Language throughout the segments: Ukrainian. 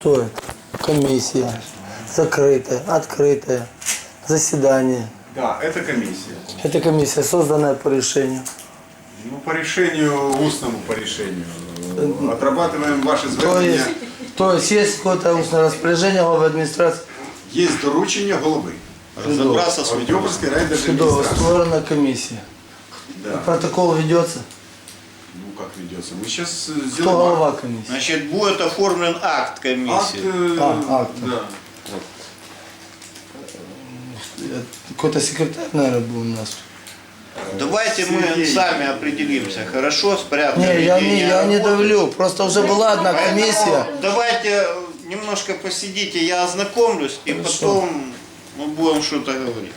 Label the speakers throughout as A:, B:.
A: Что это? Комиссия. Закрытая, открытая. Заседание.
B: Да, это комиссия.
A: Это комиссия, созданная по решению.
B: Ну, по решению, устному по решению. Отрабатываем ваши
A: То
B: звернення.
A: есть какое-то устное распоряжение главы администрации.
B: Є доручення голови.
C: Разобраться с
B: Авдіївської
A: Чудово,
B: райдержадміністрації.
A: створена комиссия.
B: Да.
A: Протокол ведется.
B: Ну, как ведется? Мы сейчас
A: Кто
B: сделаем
A: глава комиссии?
C: Значит, будет оформлен акт
B: акт.
C: комиссии.
A: Акт.
B: Да.
A: Какой-то секретарь, наверное, был у нас.
C: Давайте мы
B: Сергей.
C: сами определимся, хорошо, с порядком
A: Не,
C: ведения
A: я не
C: работы.
A: давлю. Просто уже была одна
C: Поэтому
A: комиссия.
C: давайте немножко посидите, я ознакомлюсь, и
A: Хорошо.
C: потом мы будем что-то говорить.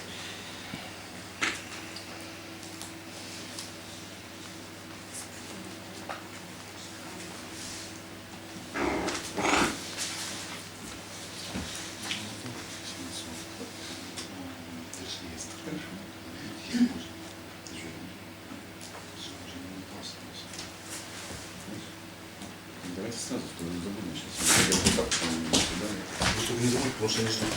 B: Давайте сразу, что не забудем сейчас. Я вот так, сюда.
D: Не забудь, потому что они ждут.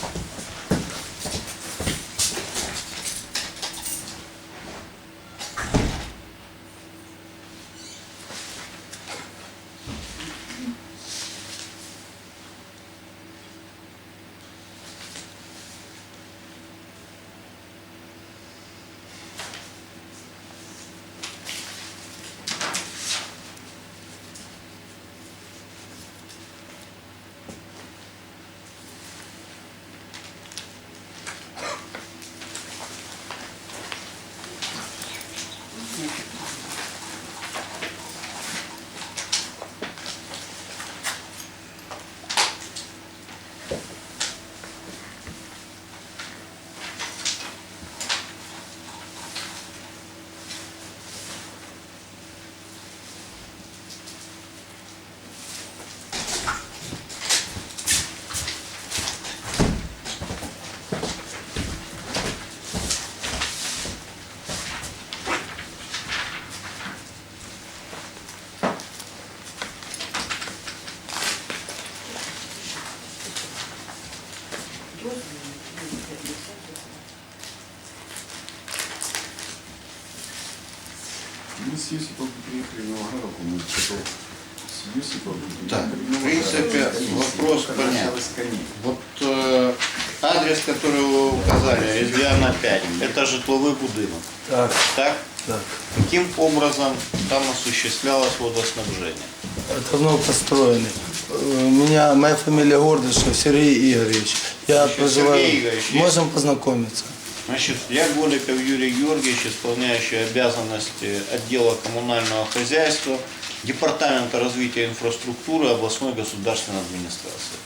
B: Мы с Юсиповым приехали в Новоградовку, мы потом с Юсиповым
C: Так,
B: приехали
C: в принципе, вопрос понятен. Вот адрес, который вы указали, Резвиана 5, это житловый будинок.
A: Так,
C: Так?
A: так.
C: Каким образом там осуществлялось водоснабжение?
A: Давно построены. Моя фамилия Гордышев Сергей Игоревич. Я
C: Значит,
A: проживаю.
C: Сергей Игоревич, есть?
A: Можем познакомиться.
C: Значит, я Голиков Юрий Георгиевич, исполняющий обязанности отдела коммунального хозяйства, Департамента развития инфраструктуры областной государственной администрации.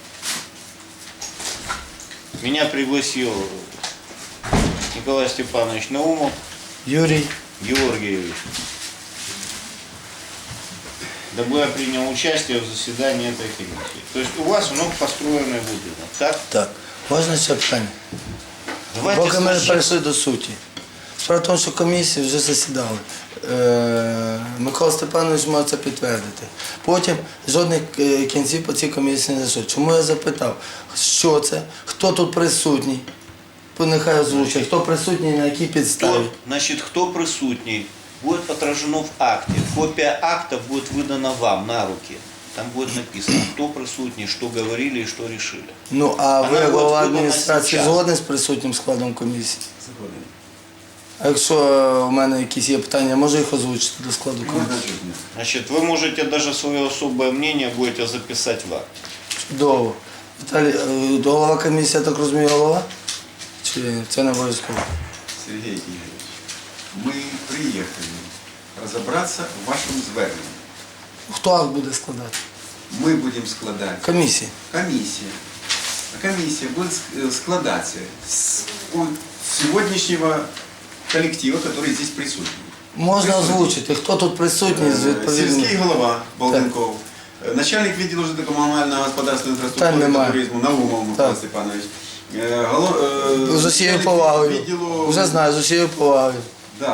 C: Меня пригласил Николай Степанович Наумов
A: Юрий.
C: Георгиевич, дабы я принял участие в заседании этой комиссии. То есть у вас построенный будинок, так?
A: Так. Можна ще питання?
C: Давайте
A: Поки ми
C: спочатку-
A: перейшли до суті. Справа в тому, що комісії вже засідали. Микола Степанович може це підтвердити. Потім жодних кінців по цій комісії не зайшло. Чому я запитав, що це, хто тут присутній? Нехай озвучить, хто присутній, на якій підставі.
C: Значит, кто присутний, будет отражено в акте. Копия акта будет выдана вам на руки. Там будет написано, кто присутний, что говорили и что решили.
A: Ну, а ви,
C: Вона
A: голова
C: буде
A: адміністрації,
C: зараз.
A: згодні з присутнім складом комісії?
B: Заходим.
A: А якщо у мене якісь є питання, я можу їх озвучити до складу
B: Ну,
A: комісії?
B: значит, нет.
C: Значит, вы можете даже свое особое мнение будете записать в акт.
A: Чудово. Віталій, голова комісії, я так розумію, голова? Чи це не обов'язково?
B: Сергей Игоревич, мы приехали разобраться в вашем зверненні.
A: Хто акт буде складати?
B: Мы будем складать
A: Комісії.
B: комиссия. А комиссия будет складаться с сегодняшнего коллектива, который здесь присутствует.
A: Можна озвучити, хто тут присутній з
B: Сільський
A: відповідним.
B: голова Балденков, начальник відділу житлово-комунального господарства інфраструктури
A: Та
B: та
A: немає.
B: туризму Наумов Микола
A: Так.
B: Степанович.
A: З усією
B: Начальник
A: повагою.
B: відділу-
A: Вже знаю, з усією повагою.
B: Да.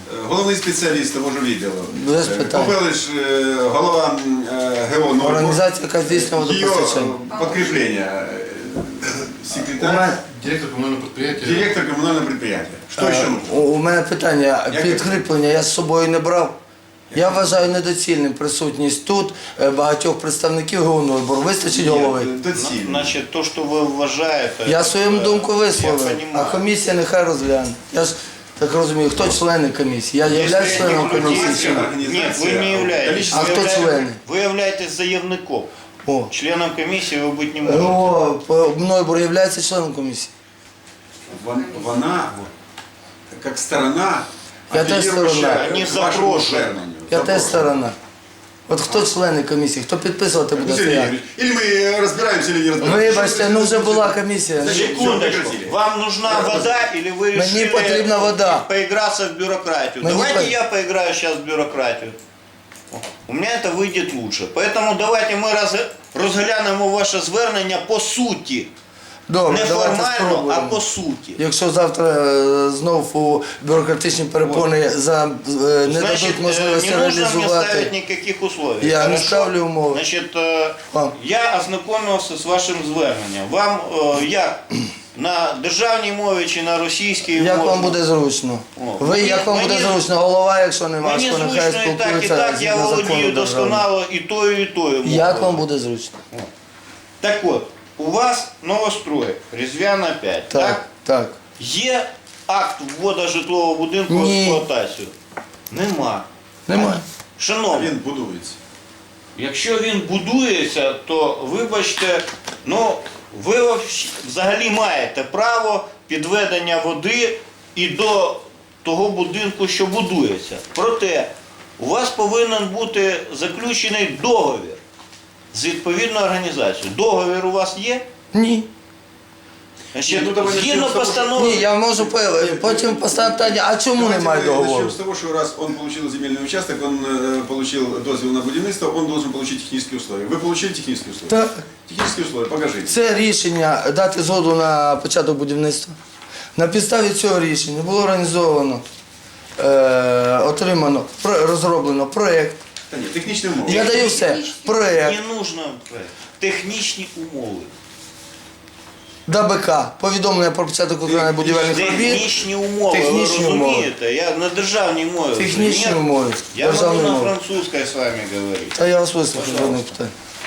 B: Головний спеціаліст того ж відділу.
A: Без питань.
B: Попелиш, голова ГО «Нойбур».
A: Організація, яка здійснює
B: Ее
A: водопостачання.
B: подкрепление. Секретарь,
D: Директор коммунального предприятия.
B: директор коммунального предприятия. Что еще нужно?
A: У мене питання, підкріплення я з собою не брав. Я вважаю недоцільним присутність тут багатьох представників ГО «Нойбур». Вистачить голови?
B: Доцільно.
C: Значит, то, что вы вважаєте...
A: Я свою думку
C: Я
A: висловив, а
C: понимаю.
A: комісія нехай розгляне. Я ж так розумію, хто члени комісії? Я
C: Если
A: являюсь членом
C: я не
A: комісії
C: буду
A: чи ні?
B: Организация,
C: Нет, вы не являетесь.
A: А
C: Вы
A: кто
C: являетесь-
A: члены?
C: Вы являетесь заявником.
A: О,
C: Членом комиссии вы быть не можете.
A: Нойбур є членом комісії.
B: Вона, як сторона,
A: Я теж
B: апеллирующая
A: сторона.
B: к
C: Не
B: вашему
C: запрошена.
B: зверненню.
A: Я теж
B: Запрошена.
A: сторона. От хто члени комісії, хто підписувати буде
B: Сергей
A: стояти?
B: Игоревич, или мы разбираемся, или не разбираемся.
A: Вибачте, ну вже була комісія.
B: Зачем?
C: Секундочку.
B: прекратили.
C: Вам нужна вода или вы
A: Мне
C: решили
A: потребна вода.
C: поиграться в бюрократию?
A: Мне
C: Давайте
A: по-
C: я поиграю сейчас в бюрократию. У меня это выйдет лучше. Поэтому давайте мы розглянемо ваше звернення по суті.
A: Добре,
C: Не
A: давайте
C: формально, а
A: спробуємо.
C: по суті.
A: Якщо завтра знов у бюрократичні перепони не
C: Значит,
A: дадуть можливості
C: не нужно мне ставить
A: реалізувати,
C: никаких условий.
A: Я не
C: Хорошо?
A: ставлю умови.
C: Значит,
A: Вам.
C: я ознакомився з вашим зверненням. Вам як на державній мові чи на російській
A: як
C: можна?
A: вам буде зручно?
C: О,
A: Ви,
C: мені-
A: як вам буде
C: мені-
A: зручно? Голова, якщо нема,
C: Мені
A: що нехай
C: зручно і так, і
A: спілкується
C: так, я
A: згідно
C: володію
A: закону державного.
C: досконало і тою, мовою.
A: Як вам буде зручно?
C: Так от, у вас новострой, Різдвяна 5, так?
A: Так, так.
C: Є акт вводу житлового будинку в
A: Ні.
C: експлуатацію? Нема.
A: Немає.
C: Шановні,
B: Він будується.
C: якщо він будується, то вибачте, ну ви взагалі маєте право підведення води і до того будинку, що будується. Проте у вас повинен бути заключений договір з відповідною організацією. Договір у вас є?
A: Ні.
C: Значить,
B: Ну, давай
C: згідно
B: начнем с того, что-
C: постанови.
A: Ні, я можу потім поставити питання, а чому
B: Давайте
A: немає
B: мы
A: договору?
B: начнем с того, что раз он получил земельный участок, он получил дозвіл на будівництво, он должен получить технические условия. Вы получили технические условия?
A: Так.
B: Технические условия, покажите.
A: Це рішення дати згоду на початок будівництва. На підставі цього рішення було організовано, отримано, розроблено проєкт.
B: Та ні, технічні умови.
A: Я даю все. Проєкт,
C: Не нужно технічні умови.
A: ДБК, повідомлення про початок виконання будівельних робіт.
C: Технічні умови,
A: Технічні
C: ви
A: умови.
C: розумієте? Я на державній мові.
A: Технічні
C: Ні,
A: умови.
C: Я могу
A: Державні
C: на
A: мови.
C: французькій з вами говорити.
A: Та я вас вислухаю, жодних питань.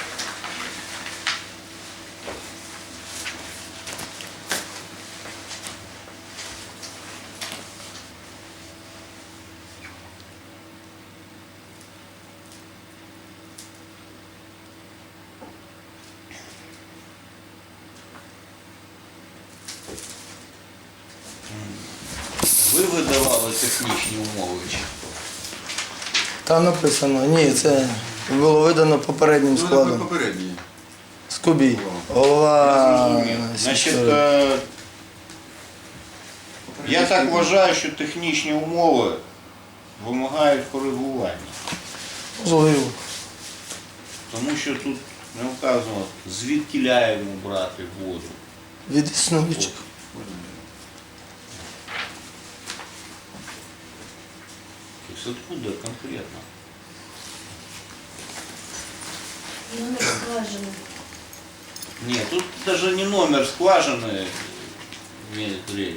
C: Ви видавали технічні умови чи хто?
A: Там написано, ні, це було видано попереднім
B: Ну, це
A: складом.
B: попередній.
A: Скубій, голова
C: Значить,
A: сільської.
C: я так вважаю, що технічні умови вимагають коригування.
A: Можливо.
C: Тому що тут не вказано, звідки ляємо брати воду.
A: Від існуючих.
C: Тобто откуда конкретно?
E: Номер скважины.
C: Нет, тут даже не номер скважины имеет речь.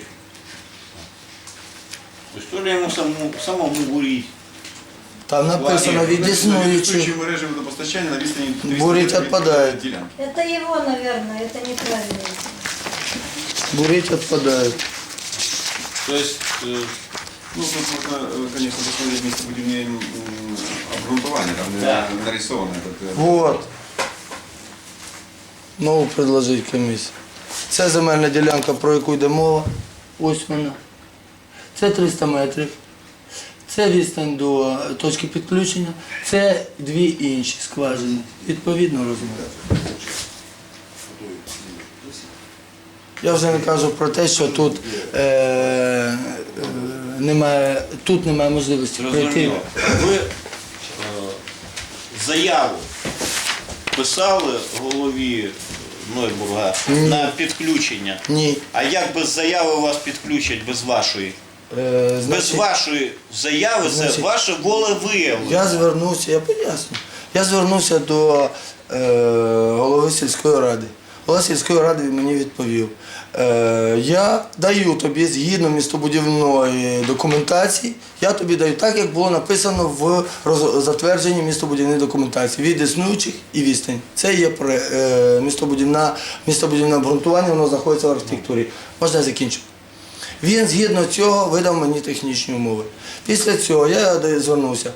C: То есть то ли ему самому бурить.
A: Там написано від існуючих.
B: Існуючі мережі водопостачання на відстані 300
A: Бурить
B: метрів від
A: відпадає.
B: ділянки.
E: Это его, наверное, это неправильно.
A: Бурить відпадає.
C: То есть
B: Ну, тут можна, конечно, посмотреть містобудівне обґрунтування, там
C: Да.
B: нарисовано. Этот,
A: Вот. Нову предложить комісію. Це земельна ділянка, про яку йде мова. Ось вона. Це 300 метрів. Це відстань до точки підключення. Це дві інші скважини. Відповідно розмір. Я вже не кажу про те, що тут немає можливості прийти.
C: зрозуміло. Ви заяву писали голові Нойбурга на підключення.
A: Ні.
C: А як без заяви вас підключать без вашої?
A: Е,
C: Без вашої заяви це
A: значить,
C: ваше волевиявлення.
A: Я звернувся, я поясню. Я звернувся до голови сільської ради. Голова сільської ради мені відповів, я даю тобі згідно містобудівної документації, я тобі даю так, як було написано в затвердженні містобудівної документації від існуючих і відстань. Це є містобудівне обґрунтування, воно знаходиться в архітектурі. Можна я закінчу? Він згідно цього видав мені технічні умови. Після цього я звернувся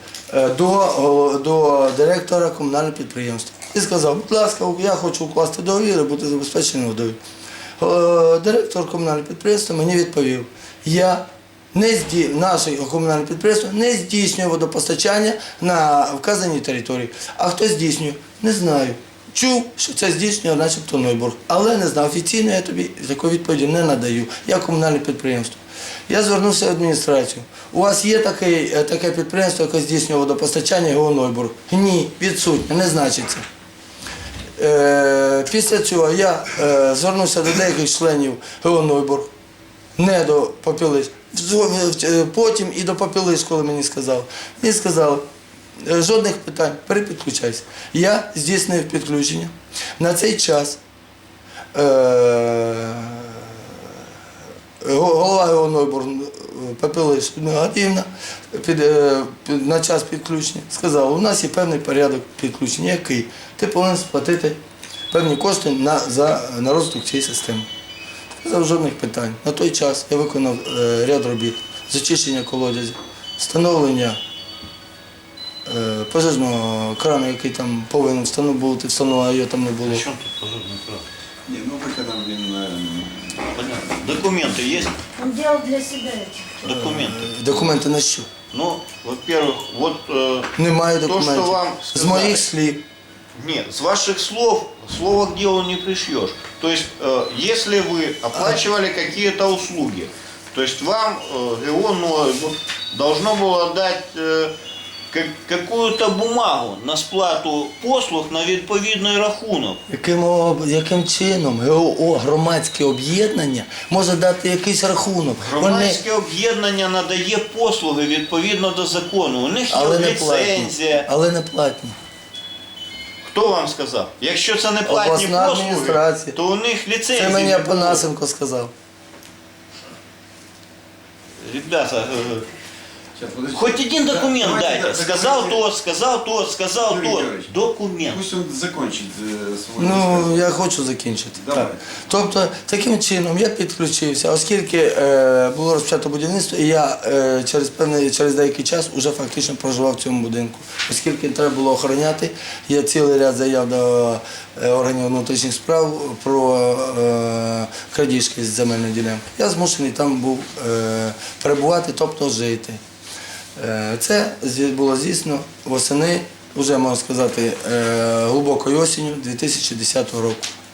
A: до директора комунального підприємства і сказав, будь ласка, я хочу укласти договір і бути забезпечений водою. Директор комунального підприємства мені відповів, наше комунальне підприємство не здійснює водопостачання на вказаній території. А хто здійснює? Не знаю. Чув, що це здійснює начебто Нойбург, але не знав. Офіційно я тобі такої відповіді не надаю. Я комунальне підприємство. Я звернувся в адміністрацію. У вас є таке підприємство, яке здійснює водопостачання ГО Нойбург? Ні, відсутнє, не значиться. Після цього я звернувся до деяких членів ГО Нойбург, не до Попілиць. Потім і до Попілиць, коли мені сказали. Мені сказали, жодних питань, перепідключайся. Я здійснив підключення. На цей час голова ГО Нойбург Попілиць Гадівна на час підключення сказала, у нас є певний порядок підключення, який ти повинен сплатити певні кошти на розвиток цієї системи. Сказав, жодних питань. На той час я виконав ряд робіт, зачищення колодязів, встановлення пожежного крану, який там повинен бути встановлений, а його там не було.
C: При чому тут пожежний кран?
B: Ні, ну виходом він...
C: Понятно. Документы есть?
E: Он делал для себя эти.
C: Документы.
A: Документи на що?
C: Ну, во-первых, вот
A: Немає
C: то,
A: документів.
C: что вам
A: З
C: сказали.
A: моїх слів.
C: Нет, с ваших слов, слово к делу не пришьешь. То есть, если вы оплачивали какие-то услуги, то есть вам ГО Нойбург должно было дать какую-то бумагу на сплату послуг на відповідний рахунок.
A: Яким чином ГО, громадське об'єднання, може дати якийсь рахунок?
C: Громадське об'єднання надає послуги відповідно до закону. У них є
A: Але не платні.
C: ліцензія.
A: Але не платні.
C: Хто вам сказав? Якщо це не платні
A: Обласна
C: послуги,
A: адміністрація.
C: то у них ліцензії
A: Це мені
C: не було.
A: Апанасенко сказав.
C: Ребята,
B: Сейчас, подождите.
C: хоть один документ
B: Давайте,
C: дайте.
B: да,
C: Сказал
B: давайте.
C: то, сказал то, сказал
B: Юрий
C: то.
B: Георгиевич,
C: Документ.
B: Пусть он закончит свой
A: Ну,
B: рассказ.
A: я хочу закінчити.
B: Давай.
A: Так. Тобто, таким чином я підключився, оскільки було розпочато будівництво, і я через деякий час вже фактично проживав в цьому будинку. Оскільки треба було охороняти, є цілий ряд заяв до органів внутрішніх справ про крадіжки з земельної ділянки. Я змушений там був перебувати, тобто жити. Це було здійснено восени, вже можна сказати, глибокою осінню 2010 року.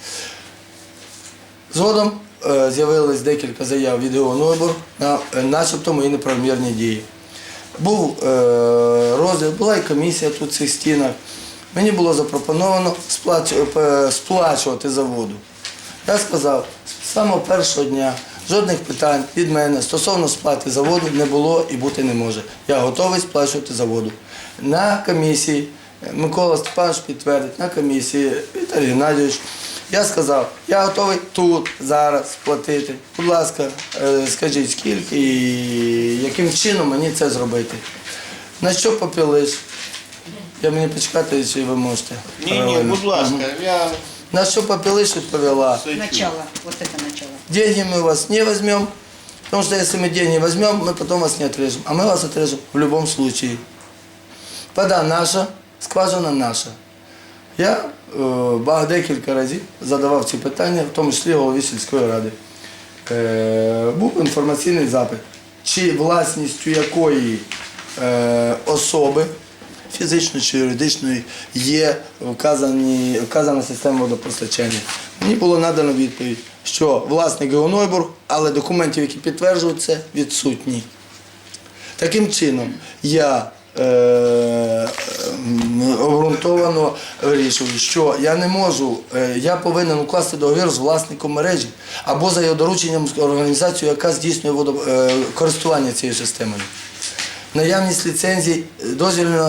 A: Згодом з'явилось декілька заяв від ГО Нойбург на начебто мої неправомірні дії. Був розгляд, була і комісія тут в цих стінах. Мені було запропоновано сплачувати за воду. Я сказав, з самого першого дня жодних питань від мене стосовно сплати за воду не було і бути не може. Я готовий сплачувати за воду. На комісії, Микола Степанович підтвердить, на комісії, Віталій Геннадійович, я сказав, я готовий тут, зараз сплатити. Будь ласка, скажіть, скільки і яким чином мені це зробити. На що Попілиць? Я мені почекати, чи ви можете?
C: Ні, будь ласка, я...
A: На що Попілиць відповіла?
D: Начало, вот это начало.
A: Деньги мы у вас не возьмем, потому что если мы деньги возьмем, мы потом вас не отрежем. А мы вас отрежем в любом случае. Вода наша, скважина наша. Я декілька разів задавав ці питання, в тому числі голові сільської ради. Був інформаційний запит, чи власністю якої особи, фізичної чи юридичної, є вказана система водопостачання. Мені було надано відповідь, що власник ГО Нойбург, але документів, які підтверджують це, відсутні. Таким чином, я обґрунтовано вирішую, що я не можу, я повинен укласти договір з власником мережі або за його дорученням з організацією, яка здійснює користування цією системою. Наявність ліцензій, дозвілів на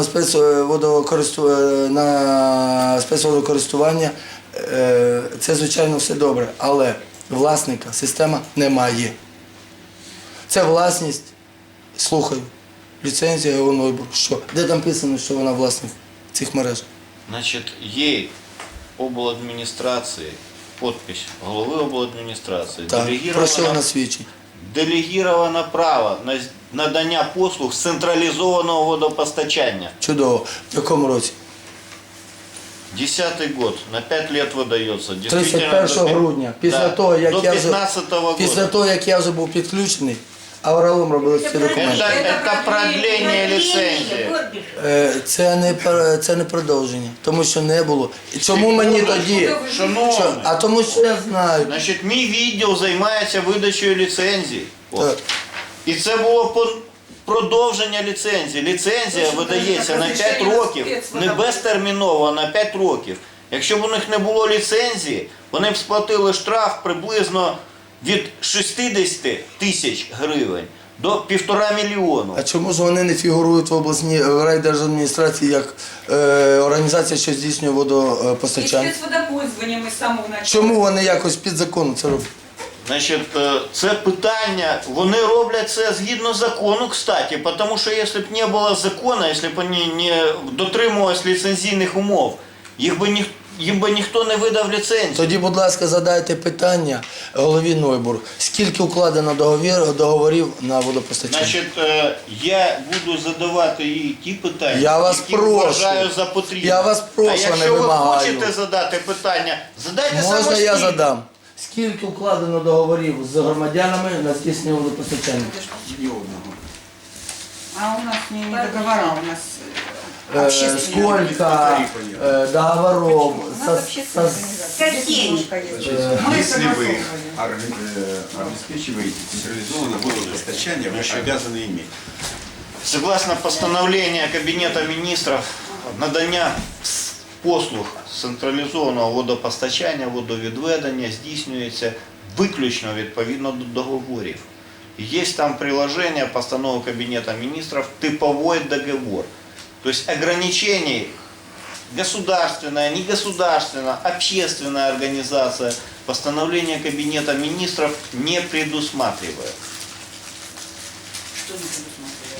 A: спецводокористування – це, звичайно, все добре, але власника система немає. Це власність, слухаю, ліцензія Євронойбур. Що? Де там писано, що вона власник цих мереж?
C: Значить, є обладміністрації, підпис голови обладміністрації,
A: Так, про що вона свідчить?
C: делегіровано право на надання послуг з централізованого водопостачання.
A: Чудово. В якому році?
C: 10-й год, на 5 лет выдается.
A: 31 грудня, після того, як
C: до
A: я вже,
C: 15-го года.
A: після того, як я вже був підключений, Авраам робили всі документи.
C: Это продление лицензии.
A: Це не продовження, тому що не було. І чому мені тоді?
C: Шановний,
A: А тому що я знаю.
C: значить, мій відділ займається видачею ліцензій. От.
A: Так.
C: І це було продовження ліцензії. Ліцензія видається на 5 років, не безтерміново, а на 5 років. Якщо б у них не було ліцензії, вони б сплатили штраф приблизно від 60 тисяч гривень до 1,5 мільйону.
A: А чому ж вони не фігурують в обласній в райдержадміністрації як організація, що здійснює водопостачання?
F: І спецводопользування ми з самого начала.
A: Чому вони якось під законом це роблять?
C: Значить, це питання, вони роблять це згідно закону, кстати, тому що якщо б не було закону, якщо б вони не дотримувалися ліцензійних умов, їм би ніхто не видав ліцензію.
A: Тоді, будь ласка, задайте питання голові Нойбур. Скільки укладено договорів на водопостачання?
C: Значить, я буду задавати їй ті питання,
A: Я вас
C: які
A: прошу.
C: вважаю за потрібне.
A: Я вас прошу,
C: а
A: не
C: якщо ви
A: вимагаю.
C: хочете задати питання, задайте
A: Можна
C: самостійно.
A: я задам? Скільки укладено договорів з громадянами на здійснення водопостачання?
B: Ні одного.
D: А у нас не договора, у нас
A: Сколько договоров
D: Какие?
B: Если вы обеспечиваете централизованное водопостачание, вы обязаны иметь.
C: Согласно постановлению Кабинета министров, надання послуг централізованого водопостачання, водовідведення здійснюється виключно відповідно до договорів. Є там приложение постанови Кабинета министров «Типовой договор». То есть ограничений государственная, негосударственная, общественная организация постановление Кабинета министров не предусматривает.
D: Что не предусматривает?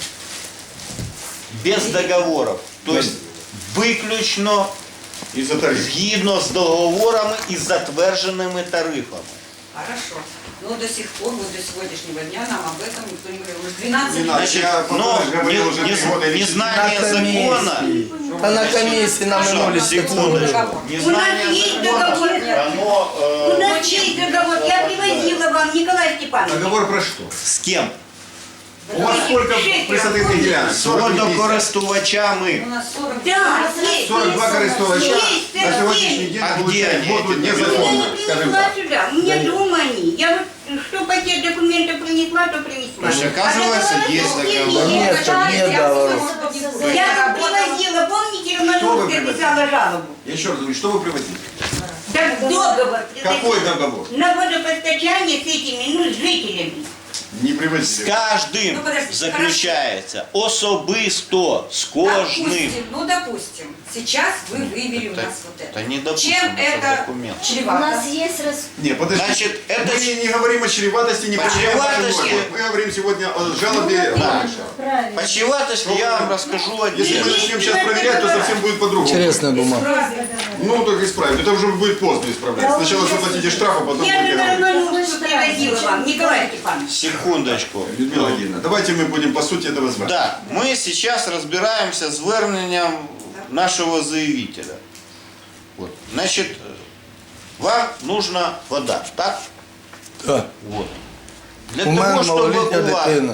C: Без договоров. То есть виключно
B: Из-за тарифа.
C: згідно з договорами і затвердженими тарифами.
F: Хорошо. Но до сих пор, вот до сегодняшнего дня нам об этом никто не говорил. Уже 12
B: Не
F: лет.
B: надо.
C: Значит,
B: Я
C: но
B: говорил уже 3 года или 4.
C: незнание закона,
A: Та на комісії на минулі
C: секундочку,
F: договор.
C: незнание
G: У нас есть
C: закона,
G: договор.
C: оно
G: У нас есть договор, я привозила вам, Николай Степанович.
B: Договор про что?
C: с кем?
B: У вас сколько присадных гелянок?
C: З
B: 40 50?
C: водокористувачами.
F: У нас 40
G: Да, есть.
B: 42 користувача
G: Есть,
B: на сегодняшний день
C: А где
B: получают
C: они,
B: воду
C: эти
G: Я
B: незаконно,
G: не
B: скажем
G: принесла
B: так.
G: сюда, у меня дома они. Я вот что пакет документов принесла, то принесла.
C: То есть, оказывается,
G: А
C: есть
G: договора
C: договор.
G: нет.
A: Нет, так нет договоров.
G: Я вот привозила, помните,
B: Что вы
G: Романовская
B: привозили?
G: писала жалобу?
B: Я еще раз говорю, что вы привозили?
G: Так договор
B: Какой
G: привозила.
B: договор?
G: На водопостачание с этими, ну, с жителями.
B: Не
C: З
B: привозили.
C: кожним
F: Ну, подожди,
C: заключається особисто, з кожним.
F: Допустим, сейчас вы вывели у нас вот это.
C: Это не допустим,
F: Чем
C: это
F: это
C: документ.
E: У
F: чревато?
E: нас есть
B: Не, подожди.
C: Значит, это
B: Мы не говорим о чреватости, не подчиняем вашим
C: Чреватости.
B: нормам. Мы говорим сегодня о жалобе.
E: правильно.
C: По чреватости я вам расскажу
B: Если мы
C: отдельно.
B: начнем сейчас проверять, то совсем будет по-другому.
A: Интересная бумага.
B: Ну, так исправить. Это уже будет поздно исправлять. Сначала заплатите штраф, а потом
G: Я
B: будете
G: же на
B: говорить.
G: Романовскую привозила вам, Николай Степанович.
C: Секундочку.
B: Людмила Владимировна, давайте мы будем по сути этого звать.
C: Да, мы сейчас разбираемся с зверненням нашего заявителя. Вот. Значит, вам нужна вода, так?
A: Так.
C: Вот. Для
A: У мене
C: того, чтобы
A: малолітня
C: у вас
A: дитина.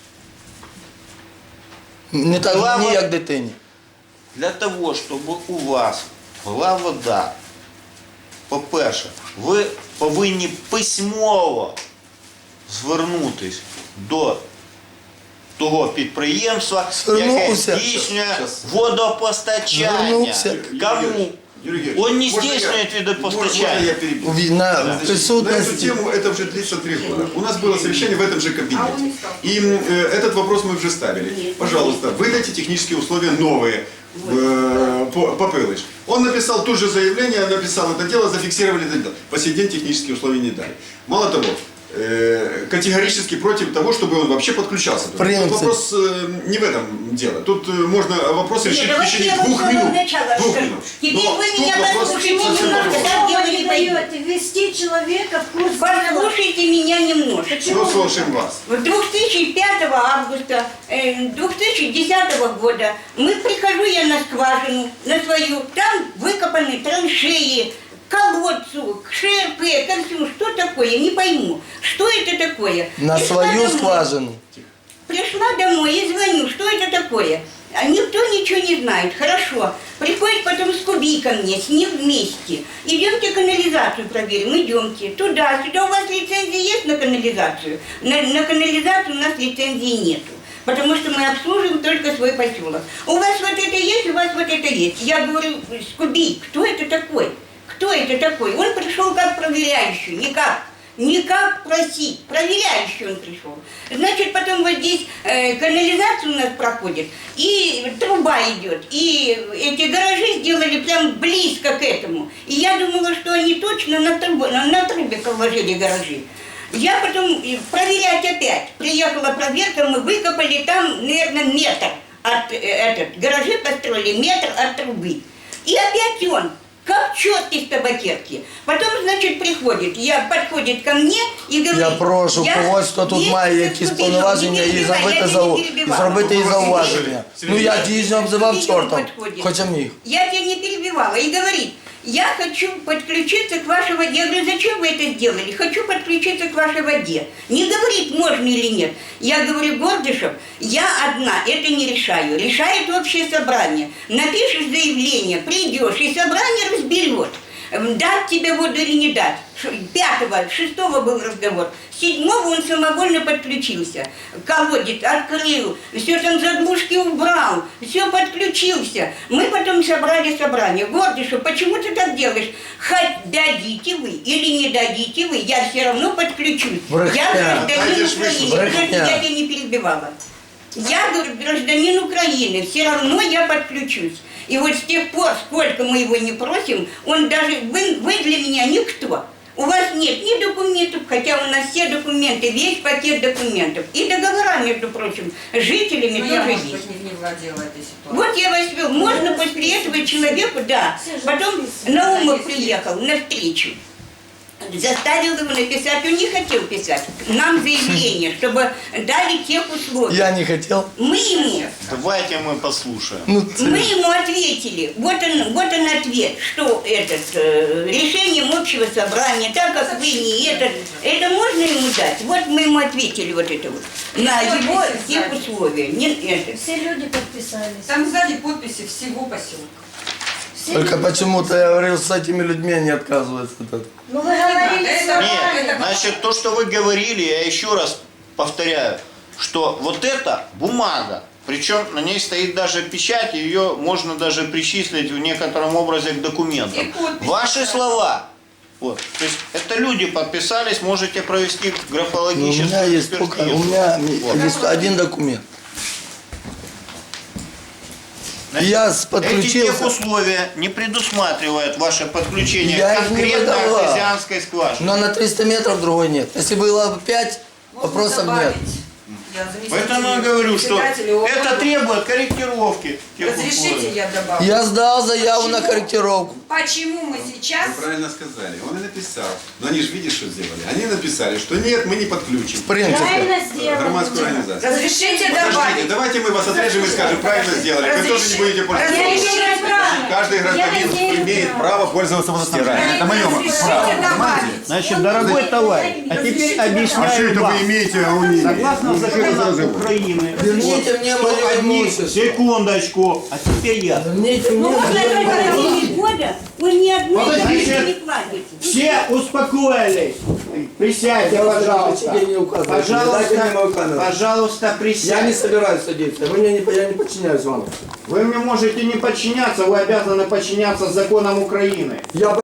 A: Не так,
C: Була
A: ні
C: во-
A: як дитині.
C: Для того, щоб у вас була вода, по-перше, ви повинні письмово звернутися до того підприємства,
A: Звернувся.
C: яке здійснює
B: Щас.
C: водопостачання.
A: Звернувся.
C: Кому?
B: Юрий Георгиевич,
C: Он не
B: можно
C: здійснює
B: Можно
C: водопостачання.
B: я перебью?
A: На
B: Значит, на эту
A: присутності.
B: тему это уже длится 3 года. У нас было совещание в этом же кабинете. И этот вопрос мы уже ставили. Пожалуйста, выдайте технические условия новые по Пылыш. Он написал тут же заявление, написал это дело, зафиксировали это дело. По сей день технические условия не дали. Мало того, категорически против того, чтобы он вообще подключался. Тут
A: Принцип.
B: вопрос не в этом дело. Тут можно вопрос решить в
G: давайте
B: течение
G: я вам
B: 2
G: с самого
B: минут.
G: начала
B: 2
G: скажу.
B: минут.
G: Теперь
B: Но
G: вы
B: тут
G: меня
B: вопрос
G: послушайте
B: совсем
G: немножко.
B: другой.
G: Так дело
E: Вы
G: не
E: не
G: пойдет.
E: даете ввести человека в курс дела.
G: Послушайте меня немножко.
B: Ну, слушаем вас.
G: В 2005 августа 2010 года прихожу я на скважину, на свою, там выкопаны траншеи, к колодцу, к ШРП, ко всему. Что такое? Не пойму. Что это такое?
A: На
G: Пришла
A: свою
G: домой.
A: скважину.
G: Пришла домой и звоню, что это такое? А никто ничего не знает. Хорошо. Приходит потом Скуби ко мне, с ним вместе. Идемте канализацию проверим, идемте. Туда, сюда. У вас лицензия есть на канализацию? На канализацию у нас лицензии нету. Потому что мы обслуживаем только свой поселок. У вас вот это есть, у вас вот это есть. Я говорю, Скуби, кто это такой? Кто это такой? Он пришел как проверяющий, никак просить, проверяющий он пришел. Значит, потом вот здесь канализация у нас проходит, и труба идет, и эти гаражи сделали прям близко к этому. И я думала, что они точно на трубе положили гаражи. Я потом проверять опять. Приехала проверка, мы выкопали там, наверное, метр от гаражи построили, метр от трубы. И опять он. Как четкий с табакерки. Потом, значит, подходит ко мне и говорит...
A: Я прошу когось, хто тут має якісь повноваження і зробити їй зауваження. Ну я дійсно обзивав чортом, хоча міг.
G: Я тебя не перебивала. И говорит, я хочу подключиться к вашей воде. Я говорю, зачем вы это сделали? Хочу подключиться к вашей воде. Не говорит, можно или нет. Я говорю, Гордышев, я одна это не решаю. Решает общее собрание. Напишешь заявление, придешь, и собрание разберет, дать тебе воду или не дать. 5-го, 6-го был разговор. 7-го он самовольно подключился. Колодец открыл, все там заглушки убрал, все подключился. Мы потом собрали собрание. Гордышев, почему ты так делаешь? Хоть дадите вы или не дадите вы, я все равно подключусь.
A: Брехня.
G: Я гражданин
B: Дайте ж
G: Украины.
A: брехня.
G: Подожди, я тебя не перебивала. Я, говорю, гражданин Украины, все равно я подключусь. И вот с тех пор, сколько мы его не просим, он даже, вы для меня никто. У вас нет ни документов, хотя у нас все документы, весь пакет документов. И договора, между прочим, с жителями
F: Ну, я,
G: тоже
F: может
G: есть.
F: быть, не владела этой ситуацией.
G: Вот я вас вел. Можно после этого человеку, да. Потом Наумов приехал на встречу. Заставил его написать, он не хотел писать нам заявление, чтобы дали тех условий.
A: Я не хотел.
G: Мы ему
C: Давайте мы послушаем.
A: Ну,
G: Мы ему ответили, вот он ответ, что решением общего собрания, так как вы не это можно ему дать? Вот мы ему ответили вот это вот, на его тех условия. Не это.
E: Все люди подписались.
F: Там сзади подписи всего поселка.
E: Все
A: только
E: люди-
A: почему-то я говорил, с этими людьми они отказываются от этого.
E: Ну вы говорили
F: Это-
E: с нами.
C: Нет, значит, то, что вы говорили, я еще раз повторяю, что вот эта бумага, причем на ней стоит даже печать, ее можно даже причислить в некотором образе к документам.
F: И подпись,
C: Ваши
F: да.
C: слова, вот, то есть это люди подписались, можете провести
A: Ну, у
C: графологическую
A: меня есть только,
C: экспертизу.
A: у меня
C: Вот.
A: есть один документ.
C: Значит,
A: Я
C: эти
A: подключился.
C: техусловия не предусматривают ваше подключение
A: Я
C: к
A: их не
C: конкретно
A: выдавал.
C: артезианской скважине.
A: Но на 300 метров другой нет. Если было 5, вопросов нет.
F: Я заместитель
C: Поэтому я говорю, что
F: председателя ООН.
C: это требует корректировки тех
F: Разрешите,
C: условий.
F: я добавлю.
A: Я сдал заяву на корректировку.
F: Почему мы сейчас...
B: Вы правильно сказали. Он и написал. Но они же видишь, что сделали. Они написали, что нет, мы не подключим.
A: В принципе.
E: Правильно сделали.
B: Громадскую организацию.
F: Разрешите
B: Подождите,
F: добавить.
B: давайте мы вас отрежем и скажем, правильно сделали. Вы тоже не будете пользоваться.
F: Разрешите добавить.
B: каждый гражданин имеет право пользоваться водоснабжением. Это мое право. Понимаете?
C: Значит, дорогой товарищ, а теперь
B: А что
C: объясняю
B: это
C: вам.
B: вы имеете, а он не имеет?
C: Согласно
B: Ну, что это за
C: законам
B: разговор?
C: Украины,
A: Верните
C: вот,
A: мне
C: что
A: мое
C: одни-
A: имущество.
C: секундочку, а теперь я.
A: Верните мне
G: Ну вот на
A: мое
G: протяжении года вы ни одной
C: Подождите.
G: копейки не платите.
C: Все успокоились. Присядьте, пожалуйста.
A: Тебе не указываю. Дайте мне мою
C: Пожалуйста,
A: камеру.
C: пожалуйста,
A: Я не
C: присядьте.
A: собираюсь садиться. Я не подчиняюсь вам.
C: Вы мне можете не подчиняться, вы обязаны подчиняться законам Украины.
A: Я